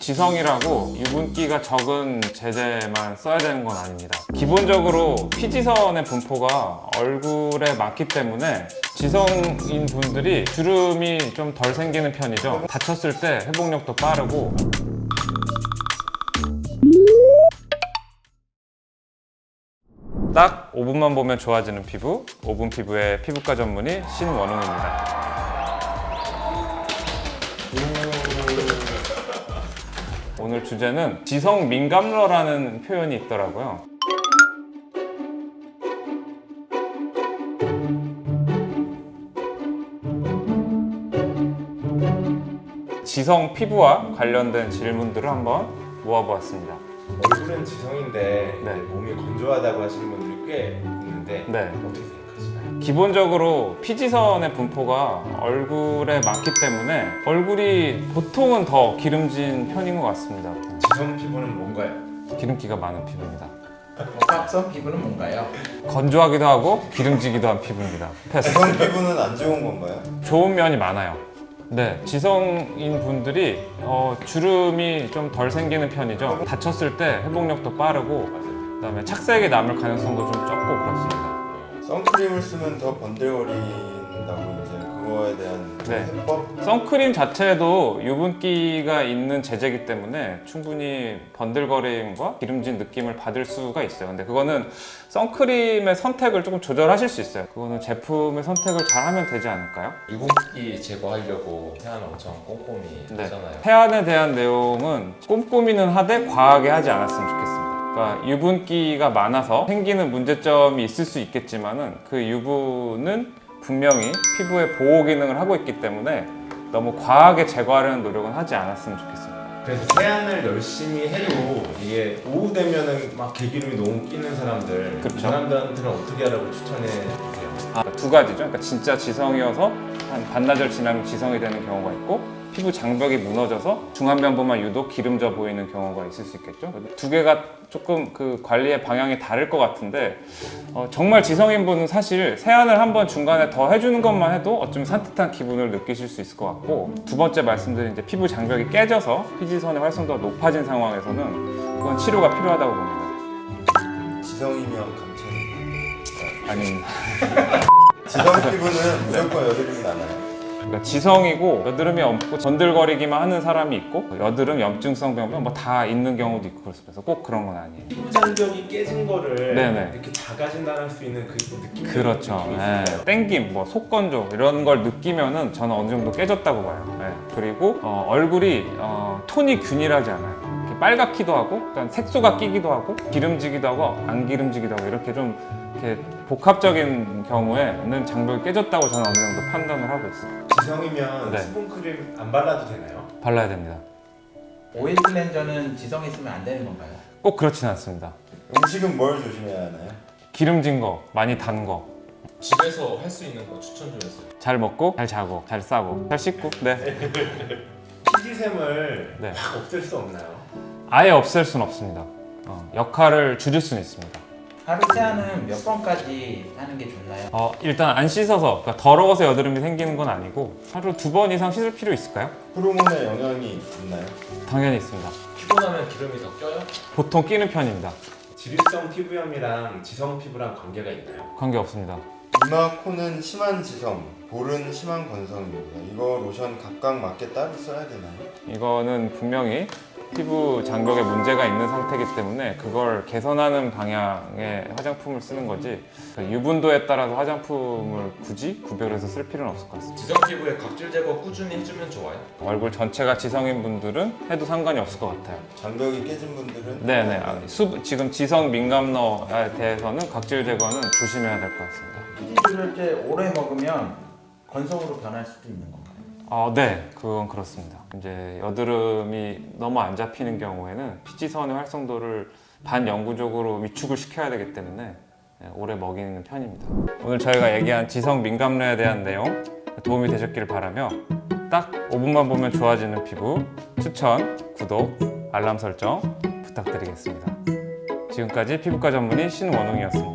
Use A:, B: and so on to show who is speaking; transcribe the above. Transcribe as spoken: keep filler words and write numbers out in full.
A: 지성이라고 유분기가 적은 제제만 써야 되는 건 아닙니다. 기본적으로 피지선의 분포가 얼굴에 많기 때문에 지성인 분들이 주름이 좀 덜 생기는 편이죠. 다쳤을 때 회복력도 빠르고. 딱 오 분만 보면 좋아지는 피부, 오 분 피부의 피부과 전문의 신원웅입니다. 오늘 주제는 지성 민감러라는 표현이 있더라고요. 지성 피부와 관련된 질문들을 한번 모아보았습니다.
B: 얼굴은 지성인데
A: 네.
B: 몸이 건조하다고 하시는 분들이 꽤 있는데
A: 네.
B: 어떻게 생각하시나요?
A: 기본적으로 피지선의 분포가 얼굴에 많기 때문에 얼굴이 보통은 더 기름진 편인 것 같습니다.
B: 지성 피부는 뭔가요?
A: 기름기가 많은 피부입니다.
C: 각성 피부는 뭔가요?
A: 건조하기도 하고 기름지기도 한 피부입니다. 패스.
D: 지성 피부는 안 좋은 건가요?
A: 좋은 면이 많아요. 네, 지성인 분들이 어, 주름이 좀 덜 생기는 편이죠. 다쳤을 때 회복력도 빠르고 그다음에 착색이 남을 가능성도 좀 적고 그렇습니다.
D: 선크림을 쓰면 더 번들거린다고 이제 그거에 대한
A: 네.
D: 해법?
A: 선크림 자체도 유분기가 있는 제제이기 때문에 충분히 번들거림과 기름진 느낌을 받을 수가 있어요. 근데 그거는 선크림의 선택을 조금 조절하실 수 있어요. 그거는 제품의 선택을 잘 하면 되지 않을까요?
E: 유분기 제거하려고 세안을 엄청 꼼꼼히
A: 네.
E: 하잖아요.
A: 세안에 대한 내용은 꼼꼼히는 하되 과하게 하지 않았으면 좋겠습니다. 그러니까 유분기가 많아서 생기는 문제점이 있을 수 있겠지만은 그 유분은 분명히 피부의 보호 기능을 하고 있기 때문에 너무 과하게 제거하려는 노력은 하지 않았으면 좋겠습니다.
B: 그래서 세안을 열심히 해도 이게 오후 되면은 막 개기름이 너무 끼는 사람들
A: 그쵸.
B: 그 사람들한테는 어떻게 하라고 추천해 주세요?
A: 아, 두 가지죠. 그러니까 진짜 지성이어서 한 반나절 지나면 지성이 되는 경우가 있고 피부 장벽이 무너져서 중안면부만 유독 기름져 보이는 경우가 있을 수 있겠죠. 두 개가 조금 그 관리의 방향이 다를 것 같은데 어, 정말 지성인 분은 사실 세안을 한번 중간에 더 해주는 것만 해도 어쩌면 산뜻한 기분을 느끼실 수 있을 것 같고 두 번째 말씀드린 이제 피부 장벽이 깨져서 피지선의 활성도가 높아진 상황에서는 그건 치료가 필요하다고 봅니다.
D: 지성이면 감천.
A: 아닙니다.
D: 지성 피부는 무조건 여드름이 나나요?
A: 그러니까 지성이고 여드름이 없고 번들거리기만 하는 사람이 있고 여드름, 염증성 병변 뭐 다 있는 경우도 있고 그렇습니다. 그래서 꼭 그런 건 아니에요.
B: 피부 장벽이 깨진 거를
A: 네네.
B: 이렇게 작아진다는 할 수 있는 그 느낌.
A: 그렇죠. 예. 땡김, 뭐 속건조 이런 걸 느끼면은 저는 어느 정도 깨졌다고 봐요. 예. 그리고 어, 얼굴이 어, 톤이 균일하지 않아요. 이렇게 빨갛기도 하고, 일단 색소가 끼기도 하고, 기름지기도 하고, 안 기름지기도 하고 이렇게 좀 이렇게 복합적인 경우에는 장벽이 깨졌다고 저는 어느 정도 판단을 하고 있어요.
B: 지성이면
A: 네.
B: 수분크림 안 발라도 되나요?
A: 발라야 됩니다.
C: 오일 클렌저는 지성이 있으면 안 되는 건가요?
A: 꼭 그렇진 않습니다.
D: 음식은 뭘 조심해야 하나요?
A: 기름진 거, 많이 단 거.
E: 집에서 할 수 있는 거 추천 좀 해주세요.
A: 잘 먹고, 잘 자고, 잘 싸고, 잘 씻고. 네.
B: 피지샘을
A: 네.
B: 확 없앨 수 없나요?
A: 아예 없앨 수는 없습니다. 어, 역할을 줄일 수는 있습니다.
C: 하루 세안은 몇 번까지 하는 게 좋나요?
A: 어, 일단 안 씻어서, 그러니까 더러워서 여드름이 생기는 건 아니고 하루 두 번 이상 씻을 필요 있을까요?
D: 호르몬의 영향이 있나요?
A: 당연히 있습니다.
E: 피곤하면 기름이 더 껴요?
A: 보통 끼는 편입니다.
B: 지립성 피부염이랑 지성 피부랑 관계가 있나요?
A: 관계 없습니다.
D: 이마, 코는 심한 지성, 볼은 심한 건성입니다. 이거 로션 각각 맞게 따로 써야 되나요?
A: 이거는 분명히 피부 장벽에 문제가 있는 상태이기 때문에 그걸 개선하는 방향의 화장품을 쓰는 거지 그 유분도에 따라서 화장품을 굳이 구별해서 쓸 필요는 없을 것 같습니다.
E: 지성 피부에 각질 제거 꾸준히 해주면 좋아요?
A: 얼굴 전체가 지성인 분들은 해도 상관이 없을 것 같아요.
D: 장벽이 깨진 분들은
A: 네네. 아, 수, 지금 지성 민감러에 대해서는 각질 제거는 조심해야 될 것 같습니다.
C: 피지를 때 오래 먹으면 건성으로 변할 수도 있는 건가요?
A: 어, 네, 그건 그렇습니다. 이제 여드름이 너무 안 잡히는 경우에는 피지선의 활성도를 반영구적으로 위축을 시켜야 되기 때문에 오래 먹이는 편입니다. 오늘 저희가 얘기한 지성 민감러에 대한 내용 도움이 되셨기를 바라며 딱 오 분만 보면 좋아지는 피부 추천, 구독, 알람 설정 부탁드리겠습니다. 지금까지 피부과 전문의 신원웅이었습니다.